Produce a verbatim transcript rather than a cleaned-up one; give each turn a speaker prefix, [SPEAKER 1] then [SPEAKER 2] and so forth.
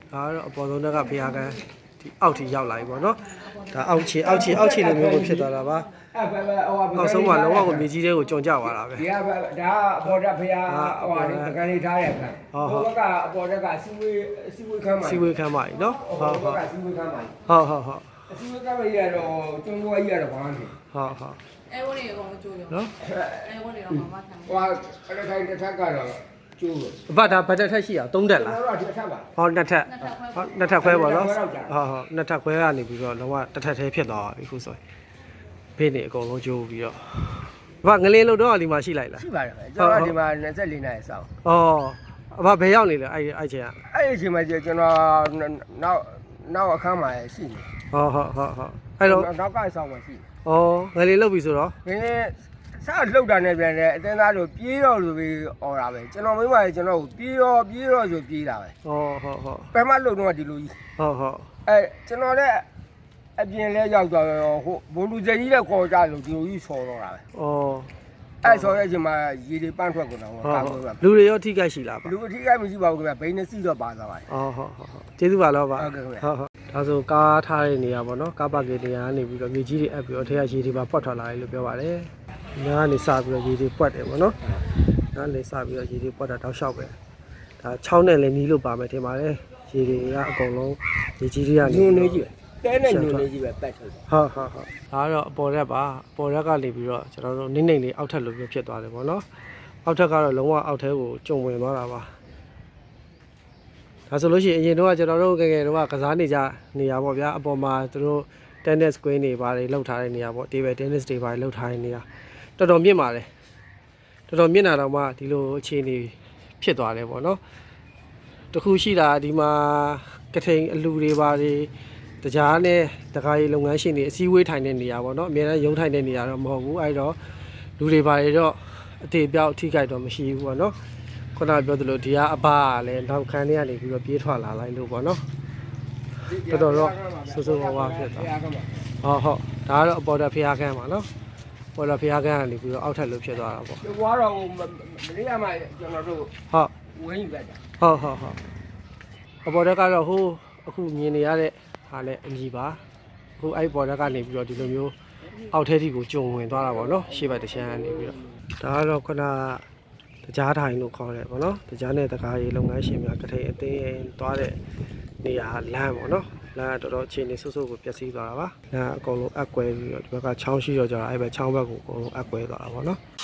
[SPEAKER 1] ဒါကတော့အပေါ်ဆုံးတက်ကဖျားကန်ဒီအောက်ထိရောက်လာပြီပေါ့နော်ဒါအောက်ခြေအောက်ခြေအောက်ခြေလိုမျိုးကိုဖြစ်သွားတာပါအောက်ဆုံးမှာလုံးဝကိုမြေကြီးတွေကိုကြုံကြသွားတာပဲ
[SPEAKER 2] ဒီကဒါအပေါ်တက်ဖျားဟိုဟာလေးတကန်လေးထားရခံဟိုဘက်ကအပေါ်တက်ကစီဝေးစီဝေးခမ်းပါ
[SPEAKER 1] စီဝေးခမ်းပါပြီနော်
[SPEAKER 2] ဟုတ်ဟုတ်စီဝေးခမ်းပါ
[SPEAKER 1] ဟုတ်ဟုတ်ဟုတ်
[SPEAKER 2] စီဝေးခမ်းပါကြီးကတော့ကျွန်းတော်ကြီးကတော့ဘာမှမဖြစ်
[SPEAKER 1] ဟုတ်ဟုတ်
[SPEAKER 3] အဲဝနေအကောင်ကျိုးရောနော်အဲဝနေတော့မမထမ်း
[SPEAKER 2] ဟိုအဲ့ဒါခိုင်တစ်ထက်ကတော့ကျိုးလို့
[SPEAKER 1] အဘဒါဘတ်တက်ထက်ရှိအောင်သုံးတက်လား
[SPEAKER 2] တော့ဒီတစ်ထက်ပါ
[SPEAKER 1] ဟောနှစ်ထက်ဟောနှစ်ထက်ခွဲပါနော်ဟုတ်ဟုတ်နှစ်ထက်ခွဲကနေပြီးတော့လုံးဝတစ်ထက်သေးဖြစ်သွားပြီခုဆိုရင်ဖေးနေအကုန်လုံးကျိုးပြီးတော့အဘငလင်းလို့တော့ဒီမှာရှိလိုက်လား
[SPEAKER 2] ရှိပါတယ်ကျွန်တော်ဒီမှာ၂၄နိုင်စောင်း
[SPEAKER 1] ဩအဘဘယ်ရောက်နေလဲအဲ့အဲ့ချိန်က
[SPEAKER 2] အဲ့ဒီချိန်မှာကျွန်တော်နောက်နောက်အခန်းမှာရှိနေ
[SPEAKER 1] ဟုတ်ဟုတ်ဟုတ်ဟုတ်အဲ့တော့
[SPEAKER 2] နောက်ကဆောင်းမှာရှိ
[SPEAKER 1] ဩငလင်းလုတ်ပြီဆိုတော့
[SPEAKER 2] ငလင်းစလှုပ်တာနဲ့ပြန်တယ်အတင်းသားတို့ပြေးတော့လို့ပြီးអော်တာပဲကျွန်တော်မိမကြီးကျွန်တော်ကိုပြေးရောပြေးရောဆိုပြေးတာပဲ
[SPEAKER 1] ဟုတ်ဟုတ်ဟုတ်
[SPEAKER 2] ပထမလှုပ်တော့ဒီလိုကြီး
[SPEAKER 1] ဟုတ်ဟုတ်
[SPEAKER 2] အဲကျွန်တော်လည်းအပြင်လဲရောက်သွားတော့ဟိုဘုံလူစကြီးလည်းခေါ်ကြလို့ဒီလိုကြီးဆော်တော့တာပဲ
[SPEAKER 1] ဩ
[SPEAKER 2] အဲဆော်ရဲ့ချိန်မှာရေတွေပန်းထွက်ကုန်တော့ကာလို့ပဲ
[SPEAKER 1] လူတွေရောထိခိုက်ရှိလားပါ
[SPEAKER 2] လူအထိခိုက်မရှိပါဘူးခင်ဗျဘိန်းနဲ့စီတော့ပါသွားပါတယ်
[SPEAKER 1] ဩဟုတ်ဟုတ်ဟုတ်ကျေးဇူးပါတော့ပါ
[SPEAKER 2] ဟုတ်ကဲ့ခင်ဗျ
[SPEAKER 1] ဟုတ်ဟုတ်ဒါဆိုကားထားတဲ့နေရာပေါ့နော်ကားပါကင်နေရာကနေပြီးတော့မြေကြီးတွေအပ်ပြီးတော့ထဲကရေတွေပါပွက်ထွက်လာတယ်လို့ပြောပါတယ်ညာကနေစပြီးတော့ရေတွေပွက်တယ်ပေါ့နော်ညာနေစပြီးတော့ရေတွေပွက်တာတောက်လျှောက်ပဲဒါချောင်းနဲ့လည်းနီးလို့ပါမယ်ထင်ပါတယ်ရေတွေကအကုန်လုံးရေကြီးတွေကနေ
[SPEAKER 2] ညွန်နေကြီးပဲတဲနဲ့ညွန်နေကြီးပဲပတ်ထုတ်
[SPEAKER 1] ဟုတ်ဟုတ်ဟုတ်ဒါကတော့အပေါ်ရက်ပါအပေါ်ရက်ကနေပြီးတော့ကျွန်တော်တို့နိမ့်နိမ့်လေးအောက်ထပ်လိုမျိုးဖြစ်သွားတယ်ပေါ့နော်အောက်ထပ်ကတော့လုံးဝအောက်ထဲကိုကျုံဝင်သွားတာပါဒါဆိုလို့ရှိရင်အရင်တော့ကျွန်တော်တို့ငယ်ငယ်တော့ကစားနေကြနေရပေါ့ဗျာအပေါ်မှာသူတို့ tennis queen တွေပါတယ်လှုပ်ထားတဲ့နေရာပေါ့ table tennis တွေပါတယ်လှုပ်ထားတဲ့နေရာတော်တော်မြင့်ပါတယ်တော်တော်မြင့်တာတော့မှဒီလိုအခြေအနေဖြစ်သွားတယ်ပေါ့နော်တခုရှိတာဒီမှာကထိန်အလူတွေပါတယ်တကြားနဲ့တကားရီလုပ်ငန်းရှင်တွေအစည်းအဝေးထိုင်တဲ့နေရာပေါ့နော်အများအားရုံးထိုင်တဲ့နေရာတော့မဟုတ်ဘူးအဲ့တော့လူတွေပါတယ်တော့အသေးပြောက်ထိခိုက်တော့မရှိဘူးပေါ့နော်ခုနပြောသလိုဒီကအဘကလည်းနောက်ခန်းထဲကနေပြီးတော့ပြေးထွက်လာလိုက်လို့ပေါ့နော်တော်တော်တော့ဆူဆူဝါးဝါဖြစ်သွားဟုတ်ဟုတ်ဒါကတော့အပေါ်တက်ဖျားခန်းပါနော်ပေါ်တက်ဖျားခန်းကနေပြီးတော့အောက်ထပ်လို့ဖြစ်သွားတာပေါ့
[SPEAKER 2] ဒီဘွားတော့မလေးရမှာကျွန်တော်တို့
[SPEAKER 1] ဟုတ်
[SPEAKER 2] ဝင်းယူလိုက်တာ
[SPEAKER 1] ဟုတ်ဟုတ်ဟုတ်အပေါ်တက်ကတော့ဟိုအခုမြင်နေရတဲ့ဟာလည်းအမြည်ပါအခုအဲ့ပေါ်တက်ကနေပြီးတော့ဒီလိုမျိုးအောက်ထဲထိကိုကျုံဝင်သွားတာပေါ့နော်ရှေ့ဘက်တစ်ချမ်းကနေပြီးတော့ဒါကတော့ခုနတကြားထိုင်လို့ခေါ်တယ်ပေါ့နော်တကြားနဲ့တကားရေလုပ်ငန်းရှင်များကထိန်အသိသွားတဲ့နေရာလမ်းပေါ့နော်လမ်းတော်တော်အခြေအနေဆုပ်ဆုပ်ကိုပျက်စီးသွားတာပါလမ်းအကုန်လုံးအက်ကွဲပြီးတော့ဒီဘက်ကချောင်းရှိတော့ကြတာအဲ့ဘက်ချောင်းဘက်ကိုအကုန်လုံးအက်ကွဲသွားတာပေါ့နော်